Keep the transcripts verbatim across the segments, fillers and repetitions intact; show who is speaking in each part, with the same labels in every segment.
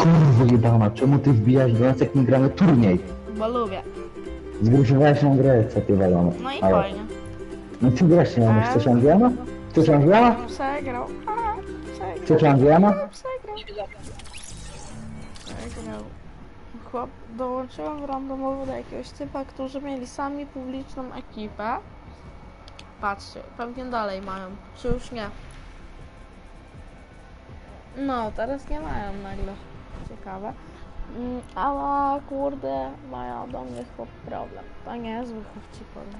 Speaker 1: Kurwo jebana, czemu ty wbijasz do nas, jak nie gramy turniej?
Speaker 2: Bo lubię.
Speaker 1: Zgrusowałeś na grę, co ty walone.
Speaker 2: No i
Speaker 1: Ale-
Speaker 2: fajnie.
Speaker 1: No ty właśnie mamy, chcesz Angliana? Chcesz Angliana?
Speaker 2: Przegrał. Aha, przegrał.
Speaker 1: Chcesz Angliana?
Speaker 2: Przegrał. Przegrał. Chłop, dołączyłem randomowo do jakiegoś typa, którzy mieli sami publiczną ekipę. Patrzcie, pewnie dalej mają. Czy już nie? No, teraz nie mają nagle. Ciekawe. Mm, ale kurde, mają do mnie chłop problem. To nie jest zły chłop, ci powiem.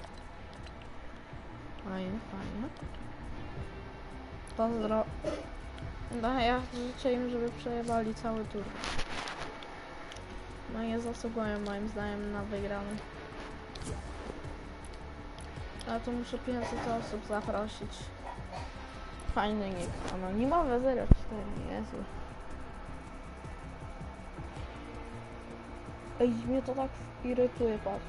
Speaker 2: Fajnie, fajnie. Pozdro. No ja życzę im, żeby przejebali cały tur. No nie zasługują moim zdaniem na wygraną. Ale tu muszę pięćset osób zaprosić. Fajny nick. Anonimowe zero cztery, Jezu. Ej, mnie to tak irytuje, patrz.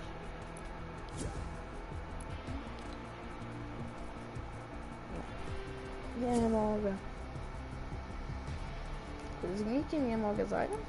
Speaker 2: Nie, nie mogę. Z nikim nie mogę zająć?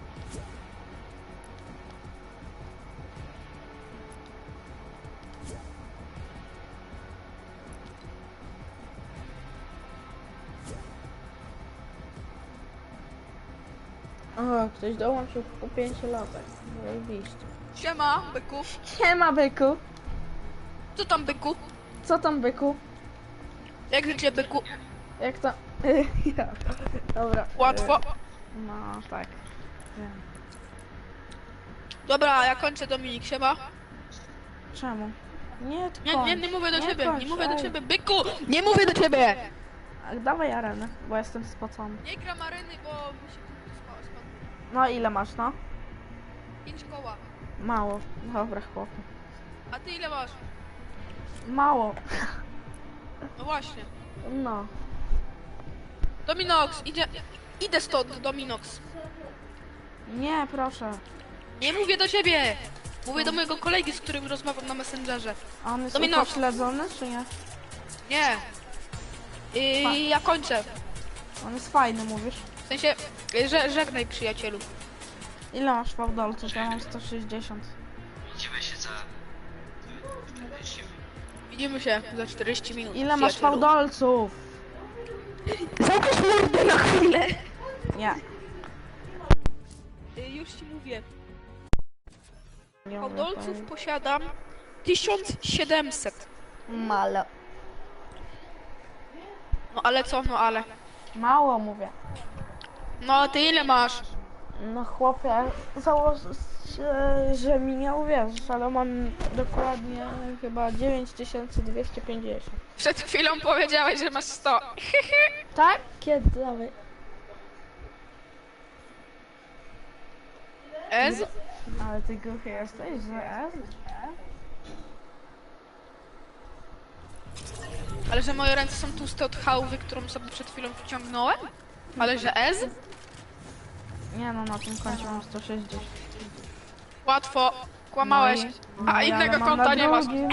Speaker 2: O, ktoś dołączył po pięciu latach. Zajebiście.
Speaker 3: Siema, byku.
Speaker 2: Siema, byku.
Speaker 3: Co tam, byku?
Speaker 2: Co tam, byku?
Speaker 3: Jak życie, byku?
Speaker 2: Jak to? Ja. Dobra.
Speaker 3: Łatwo.
Speaker 2: No, tak. Wiem.
Speaker 3: Dobra, ja kończę, Dominik, siema.
Speaker 2: Czemu? Nie, ty
Speaker 3: Nie,
Speaker 2: kończ.
Speaker 3: nie, nie mówię do ciebie,
Speaker 2: kończ,
Speaker 3: nie mówię do
Speaker 2: ej.
Speaker 3: ciebie, byku! Nie mówię do ciebie!
Speaker 2: A, dawaj arenę, bo jestem spocony.
Speaker 3: Nie gram areny, bo mi się spadło.
Speaker 2: No, ile masz, no?
Speaker 3: Pięć koła.
Speaker 2: Mało. Dobra, chłopie.
Speaker 3: A ty ile masz?
Speaker 2: Mało.
Speaker 3: No właśnie.
Speaker 2: No.
Speaker 3: Dominox, idzie... Idę stąd, Dominox.
Speaker 2: Nie, proszę.
Speaker 3: Nie mówię do ciebie! Mówię do mojego kolegi, z którym rozmawiam na Messengerze.
Speaker 2: A on jest
Speaker 3: Domino.
Speaker 2: upośledzony, czy nie?
Speaker 3: Nie. I ja kończę.
Speaker 2: On jest fajny, mówisz.
Speaker 3: W sensie, że, żegnaj, przyjacielu.
Speaker 2: Ile masz fałdolców? Ja mam sto sześćdziesiąt.
Speaker 4: Widzimy się za...
Speaker 3: Widzimy się za czterdzieści minut.
Speaker 2: Ile masz
Speaker 3: przyjacielu.
Speaker 2: fałdolców?
Speaker 3: Zamknij mordę na chwilę!
Speaker 2: Nie.
Speaker 3: Y, Już ci mówię.
Speaker 2: Nie
Speaker 3: Fałdolców posiadam tysiąc siedemset.
Speaker 2: Malo.
Speaker 3: No ale co, no ale.
Speaker 2: Mało mówię.
Speaker 3: No a ty ile masz?
Speaker 2: No chłopie, założę się, że mi nie uwierzysz, ale mam dokładnie chyba dziewięć tysięcy dwieście pięćdziesiąt.
Speaker 3: Przed chwilą powiedziałeś, że masz sto.
Speaker 2: Tak? Kiedy? Dawaj.
Speaker 3: Ez?
Speaker 2: Ale ty głuchy jesteś, że?
Speaker 3: Ale że moje ręce są tłuste od chałwy, którą sobie przed chwilą wyciągnąłem? Ale że Ez?
Speaker 2: Nie no, na tym koncie mam sto sześćdziesiąt.
Speaker 3: Łatwo. Kłamałeś.
Speaker 2: No i-
Speaker 3: A
Speaker 2: no i
Speaker 3: innego
Speaker 2: ale mam
Speaker 3: konta
Speaker 2: na
Speaker 3: nie masz.
Speaker 2: drugim.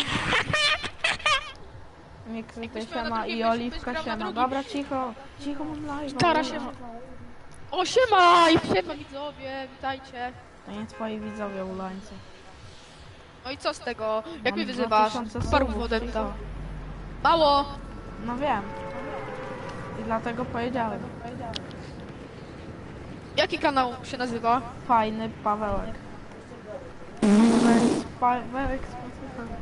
Speaker 2: Miksyty
Speaker 3: Jakbyś miał na
Speaker 2: siema
Speaker 3: drugim,
Speaker 2: i
Speaker 3: byś-
Speaker 2: oliwka
Speaker 3: byś grał na
Speaker 2: siema.
Speaker 3: drugim.
Speaker 2: Dobra, cicho. Cicho, mam live.
Speaker 3: Stara się. O siema! I siema widzowie, witajcie.
Speaker 2: To nie twoi widzowie ulańcy.
Speaker 3: No i co z tego? Jak
Speaker 2: Mam
Speaker 3: mnie wyzywasz?
Speaker 2: dwa tysiące
Speaker 3: Parł
Speaker 2: subów,
Speaker 3: wodę
Speaker 2: cicho.
Speaker 3: Mało!
Speaker 2: No wiem. I dlatego powiedziałem.
Speaker 3: Jaki kanał się nazywa?
Speaker 2: Fajny Pawełek. Pawełek spacja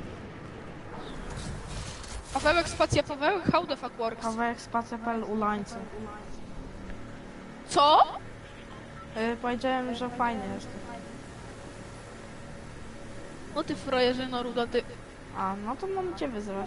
Speaker 3: Pawełek, spacja Pawełek? How the fuck works?
Speaker 2: Pawełek spacja pel ulańcy.
Speaker 3: Co?
Speaker 2: Yy, powiedziałem, że fajny jest.
Speaker 3: No ty frajerzyno ruda, ty.
Speaker 2: A, no to mam cię wyzywać.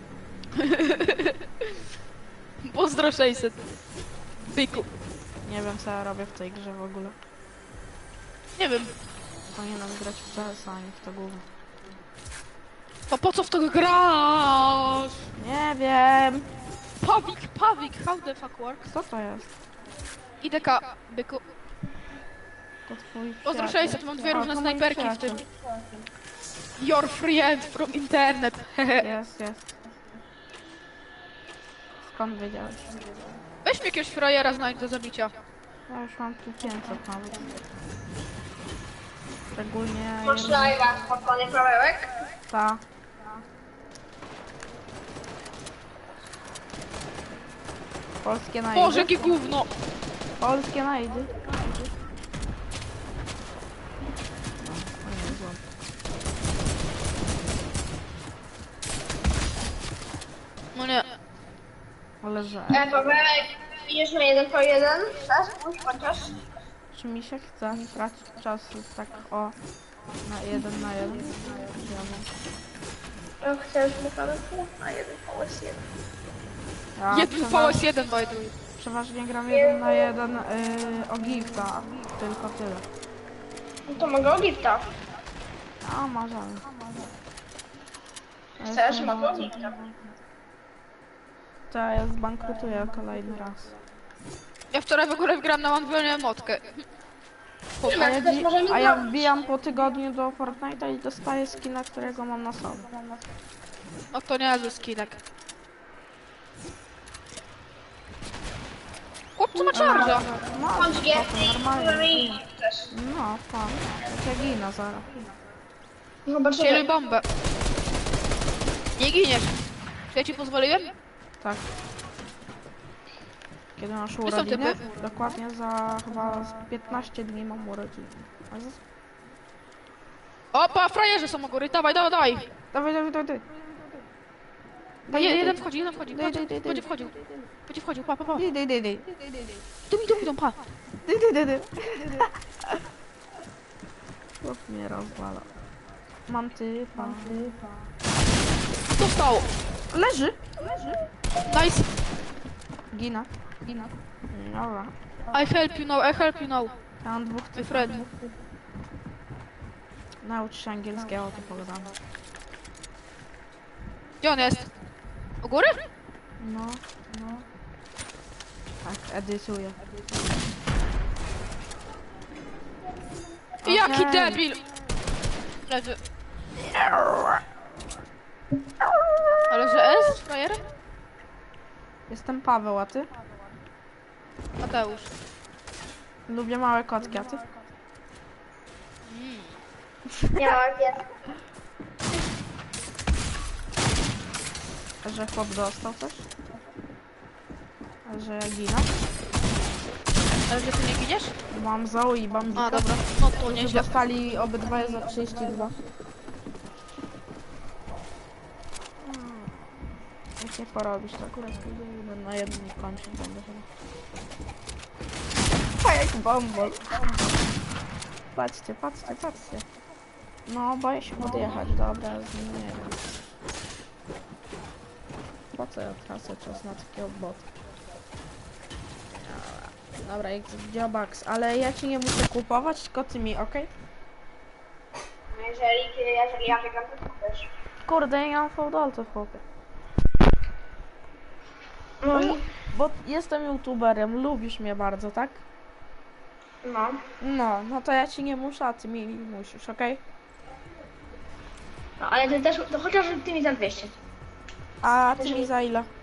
Speaker 3: Pozdro sześćset. Byku.
Speaker 2: Nie wiem co ja robię w tej grze w ogóle.
Speaker 3: Nie wiem.
Speaker 2: Powinienem grać w C S, a nie w to głównie.
Speaker 3: To po co w to grasz?
Speaker 2: Nie wiem.
Speaker 3: Pawik, Pawik, how the fuck works?
Speaker 2: Co to jest?
Speaker 3: I D K, byku.
Speaker 2: To twój
Speaker 3: Pozdro
Speaker 2: przyjaciel.
Speaker 3: sześćset, mam dwie
Speaker 2: A,
Speaker 3: różne
Speaker 2: to mój
Speaker 3: snajperki w tym.
Speaker 2: przyjaciel.
Speaker 3: Your friend from internet.
Speaker 2: Jest, jest. Skąd wiedziałeś?
Speaker 3: Weź mi jakiegoś frajera znajdź do zabicia.
Speaker 2: Ja już mam tu pięćset nawet. Szczególnie...
Speaker 4: Masz live'a, spokojnie, Pawełek?
Speaker 2: Ta. Polskie najdy.
Speaker 3: Boże, jakie gówno!
Speaker 2: Polskie najdy.
Speaker 3: No nie.
Speaker 2: Ale że...
Speaker 4: E, Pawełek, idziesz na jeden po jeden? Chcesz? Już chociaż?
Speaker 2: Czy mi się chce tracić czasu tak o... Na jeden na jeden? Czy ja mam-
Speaker 4: Ja chcesz mu Pawełku? Na jeden po jeden.
Speaker 2: Ja
Speaker 3: Jeden
Speaker 2: przewa-
Speaker 3: V S jeden, by the way.
Speaker 2: Przeważnie gram jeden na jeden yy, o gifta. Tylko tyle.
Speaker 4: No to mogę o gifta.
Speaker 2: A, możemy. Ja
Speaker 4: Chcesz?
Speaker 2: jestem-
Speaker 4: Mogę o gifta.
Speaker 2: To ja zbankrutuję kolejny raz.
Speaker 3: Ja wczoraj w ogóle wgrałem na One motkę.
Speaker 2: A ja,
Speaker 4: Jak też
Speaker 2: dzi-
Speaker 4: możemy
Speaker 2: a ja
Speaker 4: zrobić.
Speaker 2: wbijam po tygodniu do Fortnite'a i dostaję skina, którego mam na sobie.
Speaker 3: No to nie ze skinek. Chłopcu ma charge'a.
Speaker 2: No,
Speaker 4: Bądź
Speaker 2: spoko,
Speaker 4: giefty i
Speaker 2: normalnie.
Speaker 4: i też.
Speaker 2: No, pan. Ja ginę zaraz.
Speaker 4: Zobaczymy.
Speaker 3: Kieruj bombę. Nie giniesz. Czy ja ci pozwoliłem?
Speaker 2: Tak. Kiedy masz
Speaker 3: są
Speaker 2: urodziny?
Speaker 3: typy?
Speaker 2: Dokładnie za chyba z piętnaście dni mam urodziny. A za-
Speaker 3: Opa, frajerzy są u góry. Dawaj, dawaj, dawaj.
Speaker 2: Dawaj, dawaj, dawaj.
Speaker 3: Daj, jeden wchodzi, jeden wchodzi.
Speaker 2: Daj,
Speaker 3: Patrz,
Speaker 2: daj, daj, daj.
Speaker 3: będzie wchodził. Będzie wchodził, pa, pa, pa.
Speaker 2: Daj, daj, daj, daj.
Speaker 3: Tu mi, tu mi, tu pa.
Speaker 2: Daj, daj, daj, daj. Chłop mnie rozwala. Mam typa.
Speaker 3: Dostał.
Speaker 2: Leży!
Speaker 3: Nice.
Speaker 2: Gina. Gina. Dobra.
Speaker 3: I help you now, I help you now.
Speaker 2: Ja mam dwóch
Speaker 3: My
Speaker 2: typów.
Speaker 3: friend.
Speaker 2: Naucz się angielskiego, to pogadamy.
Speaker 3: Gdzie on jest? U góry?
Speaker 2: No, no. Tak, edytuję.
Speaker 3: Jaki
Speaker 2: Okej.
Speaker 3: debil! Leży. Ale że S? Frajer?
Speaker 2: Jestem Paweł, a ty?
Speaker 3: Mateusz.
Speaker 2: Lubię małe kotki, a ty?
Speaker 4: Miała giefty.
Speaker 2: Że chłop dostał coś? A że ja ginę?
Speaker 3: Ale że ty nie giniesz?
Speaker 2: Mam Zoe i Bambika.
Speaker 3: A, dobra. No to
Speaker 2: Którzy
Speaker 3: nieźle.
Speaker 2: dostali obydwoje za trzydzieści dwa. Hmm. Jak nie porobisz, to akurat pójdę jeden na jeden i kończyć będę chyba. A jak bombol. Patrzcie, patrzcie, patrzcie. No, boję się podjechać, dobra, z nim nie wiem. Po co ja tracę czas na takiego bota? Dobra, dobra, jak Dziobax, ale ja ci nie muszę kupować, tylko ty mi, okej?
Speaker 4: Jeżeli, jeżeli ja wygram, to też.
Speaker 2: Kurde, ja nie mam fałdolców, chłopie.
Speaker 4: No,
Speaker 2: Bo jestem youtuberem, lubisz mnie bardzo, tak?
Speaker 4: no.
Speaker 2: No, no to ja ci nie muszę, a ty mi musisz, okej?
Speaker 4: No, ale ty też, to chociaż ty mi za dwieście.
Speaker 2: A ty
Speaker 4: Też
Speaker 2: mi
Speaker 4: mi-
Speaker 2: za ile?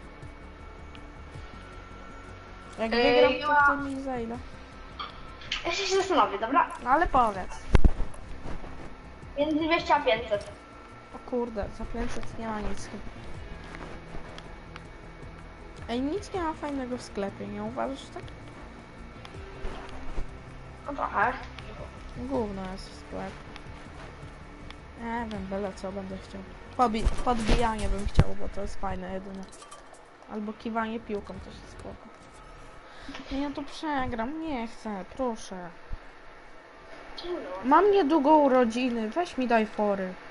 Speaker 2: Jak
Speaker 4: Ej,
Speaker 2: wygram, to
Speaker 4: ja-
Speaker 2: ty mi za ile?
Speaker 4: Jeszcze się zastanowię, dobra?
Speaker 2: No ale powiedz.
Speaker 4: Między dwieście a pięćset.
Speaker 2: O kurde, za pięćset nie ma nic chyba. Ej, nic nie ma fajnego w sklepie, nie uważasz tak?
Speaker 4: No trochę.
Speaker 2: Gówno jest w sklepie. Nie wiem, byle co będę chciał. Podbi podbijanie bym chciał, bo to jest fajne jedyne. Albo kiwanie piłką też jest spoko. Nie, ja tu przegram, nie chcę, proszę. Mam niedługo urodziny, weź mi daj fory.